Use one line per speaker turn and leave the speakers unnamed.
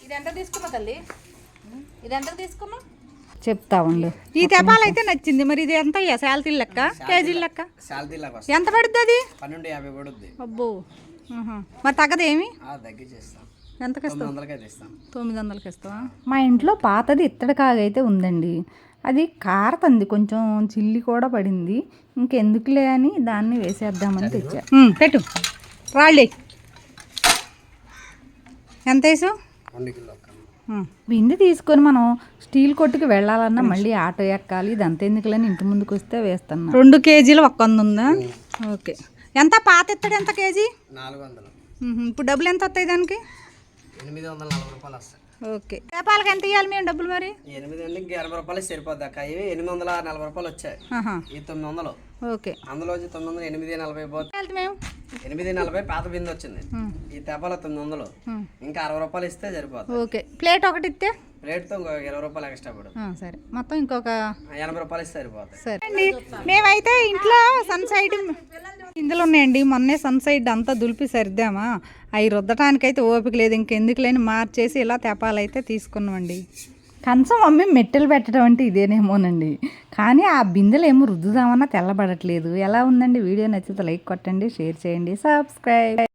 ఇది ఎంత తీసుకున్నావు తల్లి? ఇది ఎంత తీసుకున్నావు
చెప్తా ఉండు.
ఈ తెపాలు అయితే నచ్చింది. మరి ఇది ఎంత శాలరీ లెక్క, కేజీ లెక్క ఎంత పడుద్ది? అది
12.50 పడుద్ది.
అబ్బో. మరి తగ్గదేమి? ఎంతకి ఇస్తావు? 900కి ఇస్తావా?
మా ఇంట్లో పాతది ఇత్తడి కాగైతే ఉందండి. అది కారతంది, కొంచెం చిల్లి కూడా పడింది. ఇంకెందుకులే అని దాన్ని వేసేద్దామని తెచ్చా.
పెట్టు రాళ్ళే. ఎంత వేసావు?
బిందె తీసుకొని మనం స్టీల్ కొట్టుకు వెళ్ళాలన్నా మళ్ళీ ఆటో ఎక్కాలి. ఇదంతా ఎందుకులని ఇంటి ముందుకు వస్తే వేస్తున్నా.
2 కేజీలు 100 ఉందా? ఓకే. ఎంత పాత ఎత్తడు ఎంత కేజీ?
400.
ఇప్పుడు డబ్బులు ఎంత వస్తాయి దానికి?
840 రూపాయలు వస్తాయి.
ఓకే. చేపాలకి ఎంత ఇవ్వాలి మేము డబ్బులు? మరి
8 80 రూపాయలు సరిపోద్ది అక్క. ఇవి 840 రూపాయలు వచ్చాయి. ఈ 900.
ఓకే.
అందులో 900 840 పోతే
మేము
840 పాత బిందె వచ్చింది. ఈ తెపాల 900. ఇంకా 60 రూపాయలు ఇస్తే సరిపోతుంది.
ఓకే. ప్లేట్ ఒకటి ఇస్తే
ప్లేట్తో ఇంకో 20 రూపాయలు ఎక్స్ట్రా పడు.
సరే, మొత్తం ఇంకొక
80 రూపాయలు ఇస్తే సరిపోతుంది.
సరే అండి. మేమైతే ఇంట్లో సన్ సైడ్ ఇందులో ఉన్నాయండి. మొన్నే సన్ సైడ్ అంతా దులిపి సర్దామా, అవి రుద్దటానికైతే ఓపిక లేదు. ఇంకెందుకు లేని మార్చేసి ఇలా తెపాలైతే తీసుకున్నామండి.
కంచం మమ్మీ మెట్టెలు పెట్టడం అంటే ఇదేనేమోనండి. కానీ ఆ బిందెలు ఏమో రుద్దుదామన్నా తెల్లబడట్లేదు. ఎలా ఉందండి? వీడియో నచ్చితే లైక్ కొట్టండి, షేర్ చేయండి, సబ్స్క్రైబ్.